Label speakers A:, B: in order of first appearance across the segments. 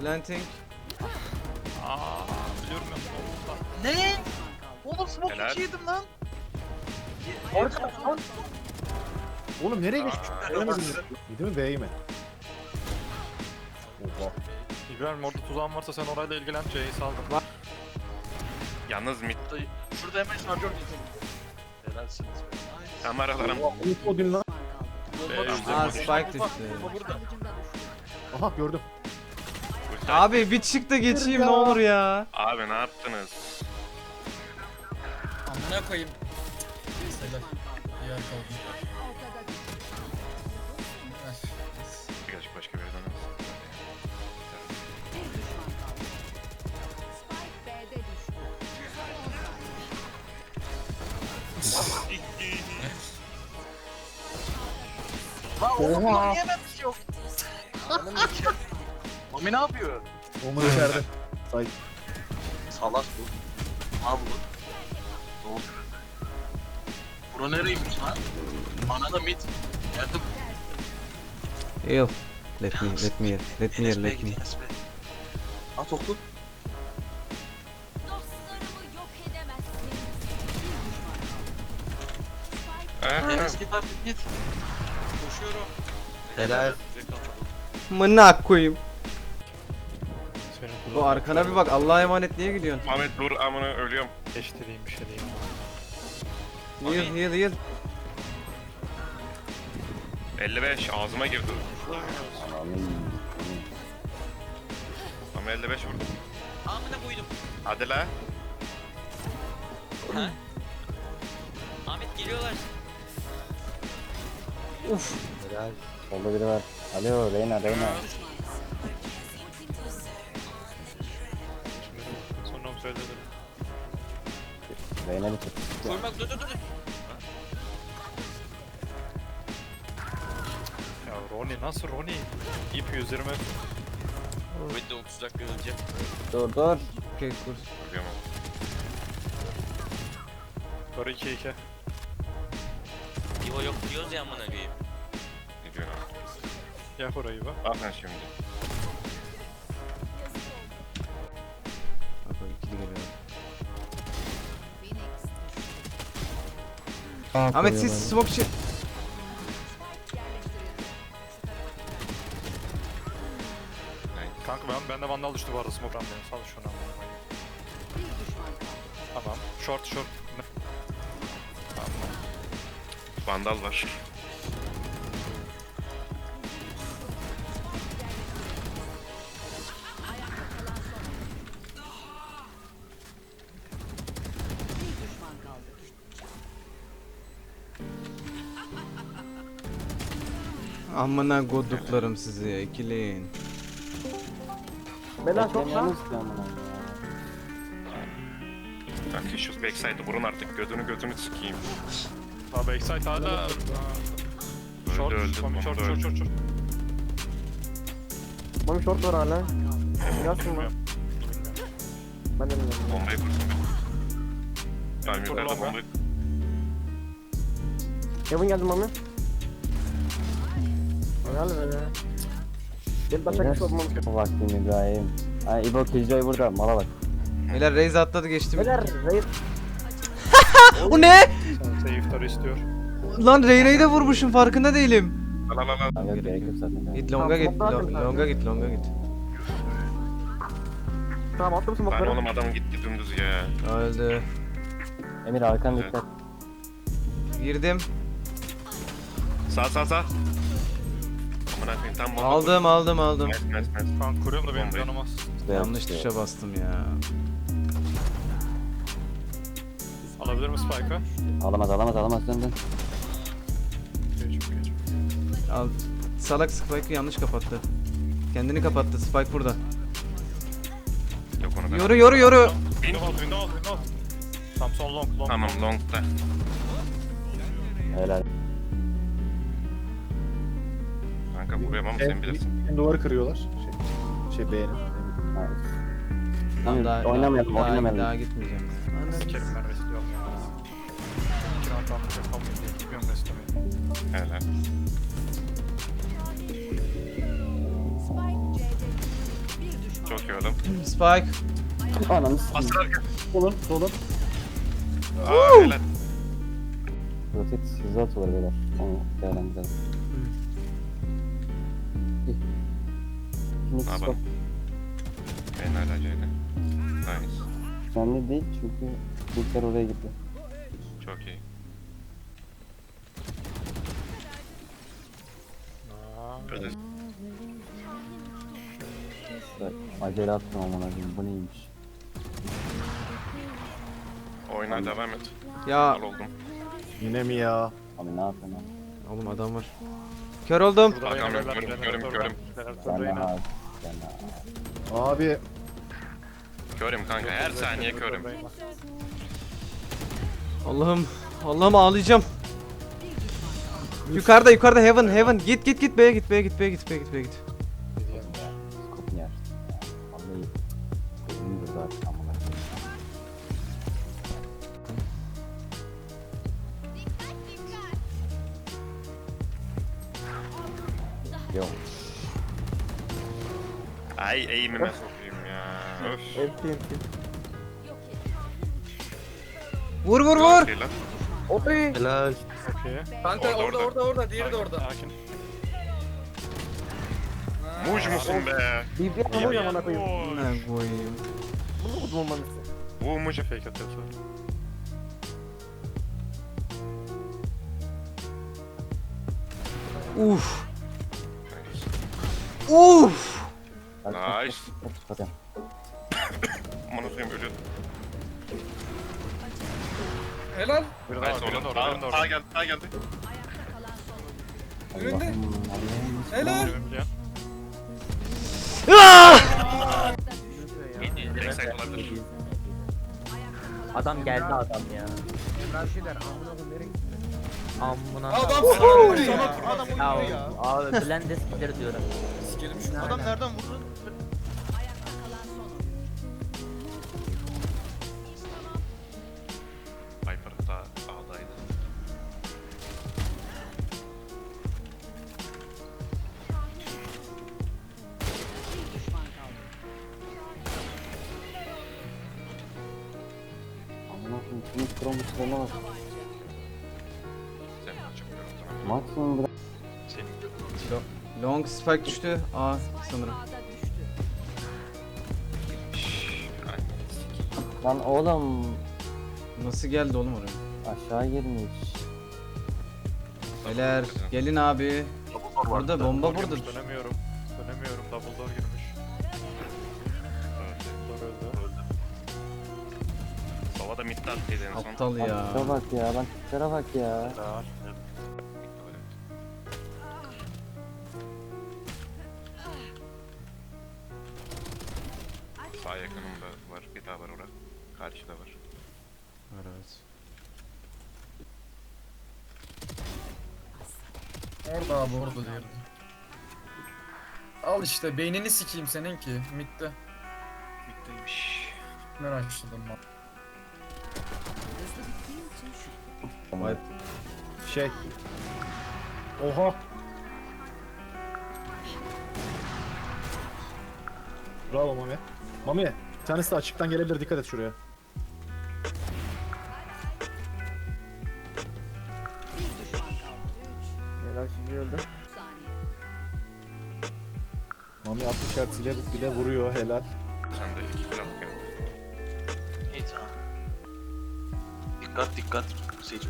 A: Planting.
B: Biliyorum ya.
C: Ne? Oğlum smoke
D: Helal.
C: 2 yedim lan.
E: Oğlum nereye geçmiş? Göremedim ya. Yedi mi B'yi mi? Oha.
B: İbrahim orada tuzağın varsa sen orayla ilgilen. C'yi saldım.
D: Yalnız mid
C: Şurada hemen şarjör getirdim. Helalsiniz be.
D: kameralarım.
E: Oha. O gün lan.
A: Aa spike düştü.
C: Burada.
E: Aha gördüm.
A: Abi bir çık da geçeyim ne olur ya.
D: Abi ne yaptınız?
F: Amına koyayım. Helal. Yer kaldı.
D: Birazcık başka bir yerden alsın.
C: Lan oğlum lan niye ben bir şey yok? Ananı ki. Mami ne yapıyor?
E: Omun içeride. Say.
C: Salak bu. Mal bu. Ne oldu? Bura nereymiş lan? Anada mid. Yardım.
A: Heal. Let me heal. Let me.
C: At oku.
G: Dostlarımı yok edemezsiniz.
C: Enes git artık git. Koşuyorum.
A: Helal. Mına koyayım. Bu arkana bir bak, Allah'a emanet, niye gidiyorsun?
D: Ahmet dur amına ölüyorum.
B: Geçtireyim bir şey diyeyim.
A: Heal.
D: 55 ağzıma girdi. Ama 55 vurdum.
F: Amına koydum.
D: Hadi la.
F: Ha? Ahmet geliyorlar.
H: Solda biri var. Alo Reyna.
B: Sonra mı söyledim?
H: Reyna bitir.
F: Koymak dur.
B: Ya Ronnie nasıl Ronnie? İp 120.
F: Ben de 30 dakika öleceğim.
H: Dur.
A: Okey kur.
D: Ölüyorum.
B: Sonra 2-2.
F: Diva yok diyoruz ya amına koyayım.
D: Ne diyorsun abi?
B: Yak orayı bak.
D: Bak sen şimdi.
A: Bak bak, ikili geliyor. Ahmet siz smoke için.
B: Kanka bende vandal düştü bu arada smoke'dan benim. Sal şunu amına koyayım. Tamam. Short. Tamam.
D: Vandal var.
A: Amına koduklarım sizi ya, ikileyin.
H: Bela çok lan.
D: Kanka şu backside'ı vurun artık. Götünü sikeyim.
B: Abi backside hala. Short.
D: Öldü.
B: Short.
H: Mami short var hala. Yansın lan. Ben de bilmiyorum.
D: Bombayı kursun be. Ben
B: Dur
D: yukarıda
B: lan be.
D: bombayı...
H: Kevin geldi Mami. Helal be. Gel başa bir sormam. Vaktim İbrahim. Ay İbo Killjoy burada. Mala bak.
A: Beyler Raze atladı, geçti.
H: Beyler Reis.
A: O ne?
B: Safe'ları istiyor.
A: Lan Reyna'yı da vurmuşum, farkında değilim.
D: La.
H: Yok gerek yok zaten.
A: Git longa git, longa git.
H: Tamam attım
D: Lan
H: smoke'ları.
D: oğlum adam gitti dümdüz ya.
A: Öldü.
H: Emir arkan
D: Evet.
H: dikkat.
A: Girdim.
D: Sağ. Amına koyayım tam bomba.
A: Aldım.
D: Nice.
B: Kanka kuruyorum da benim
D: Bombayı.
B: canım az.
A: Yanlış tuşa bastım ya.
B: Alabilir mi Spike'ı?
H: Alamaz dön.
B: Geç.
A: Al. Salak Spike'ı yanlış kapattı. Kendini kapattı. Spike burada.
D: Yok onu ben.
A: Yoru.
B: Window al. Tam son long.
D: Tamam long'da.
H: Helal.
D: Kanka vuruyorum ama sen bilirsin.
E: Duvarı kırıyorlar. Şey B'nin.
H: Tamam, oynamayalım.
A: Daha gitmeyeceğim.
B: Sikerim ben restliyorum ya. 2 round almış yapamayayım diye gidiyorum restlemeye.
D: Helal.
G: Spike C'de. Bir düşman
D: Çok iyi oğlum.
A: Spike.
H: Ananı s**eyim.
D: Asır arka.
E: Solun solun.
D: Aa helal.
H: Rotate hızlı atıyorlar beyler. Onu değerlendirelim. Phoenix
D: Ne
H: bak.
D: yapalım? Ben hala C'de. Nice.
H: Önemli değil çünkü Bulkar oraya gitti.
D: Çok iyi. Öyle.
H: Bak, acele atma aman abim bu neymiş?
D: Oyuna devam et.
A: Ya
D: Al oldum.
E: Yine mi ya?
H: Abi ne yapıyorsun abi?
A: oğlum adam var. Kör oldum.
B: Burada
D: Hakan
B: Reyna
D: Bey,
B: beyler,
D: görüm,
B: Reyna,
D: görüm.
H: Sen de
B: Reyna.
H: abi. Sen de abi.
E: Abi
D: Körüm kanka, her saniye körüm.
A: Allah'ım. Allah'ım ağlayacağım. Yukarıda heaven. Git B'ye git.
H: Skopun yer. Vallahi gözüm de zaten amına koyayım. Yok.
D: Ay eğimime sokayım ya. Öf.
A: Vur.
D: Çok iyi lan.
C: Helal.
B: Okey.
C: Kanka
D: Orada,
C: orada. Diğeri de orada.
B: Sakin.
D: Muj musun be?
E: BBM
D: İyi
E: mi
D: ya.
E: amına koyayım?
A: Ne koyayım.
E: Bunu kudum olmanız.
D: Bu muj.
B: Fake atıyorsa.
A: Uf.
D: Nice.
H: Hadi.
D: Aman okuyayım ölüyordum.
C: Helal.
B: Biri daha
D: Nice
B: var, biri
D: oğlum.
B: daha var, biri daha
D: Sağa
B: var.
D: geldi, sağa geldi.
C: Önünde.
H: Allah'ım.
C: Helal.
B: Ölümlüyor.
D: Backside olabilir.
I: Adam geldi adam ya. Amına.
C: Adam sana
I: Ya abi Blendes gider diyorum.
C: Sikerim şunu.
E: Adam nereden vurdu?
D: Viper da A'daydı.
H: Amına koyayım. Phoenix Chrome'un bak.
D: Sen açıp görüntüne.
H: Maksimum bırak.
A: Long spike düştü. A sanırım.
H: Lan oğlum.
A: Nasıl geldi oğlum oraya?
H: Aşağı girmiş.
A: Beyler gelin abi. Burada bomba burada.
B: Dönemiyorum. Double door girmiş. Door öldü.
D: Sova da midde attıydı en son.
A: Aptal ya.
H: Tiplere bak ya. Lan tiplere bak ya.
B: Daha.
D: Sağ yakınımda var, bir daha var orada. Karşıda var.
A: Evet.
C: Orada abi orada diğeri. Al işte beynini sikeyim senin ki. Mid'de.
D: Middeymiş.
C: Merak ettim ben.
A: Vay.
E: Şey. Oha. Bravo Mami. Mami, bir tanesi de açıktan gelebilir. Dikkat et şuraya. Mami 60 Hz ile bir de vuruyor helal.
D: Sen de iki kill at geldi.
C: İyi tamam. Dikkat. Sage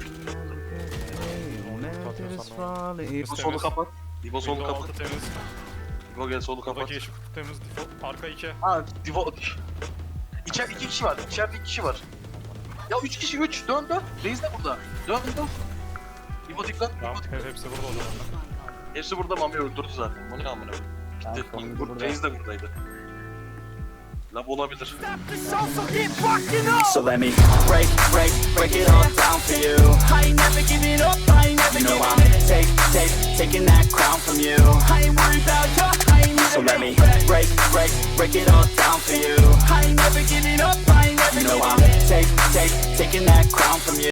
A: İbo
C: solu kapat. İbo solu
B: Window
C: kapat.
B: altı temiz.
C: İbo gel solu kapat.
B: Buradaki yeşil kutu temiz. Default. Arka 2.
C: Ha Divo. İçeride 2 kişi var. İçeride 2 kişi var. Ya 3 kişi 3. Dön. Reis de burada. Dön. İbo dikkat.
B: Tamam.
C: İbo dikkat.
B: Hepsi burada o zaman.
C: Hepsi burada Mami öldürdü zaten. Bu ne amına koyayım.
H: Ben
C: Gitti.
H: sonuncu burada.
C: Reis de buradaydı. Lab olabilir.
J: So let me break it all down for you. I ain't never giving up, I ain't never giving up. Taking that crown from you. I ain't worried about you, I ain't never. So let me break it all down for you. I ain't never giving up, I ain't never giving up. I'm taking that crown from you.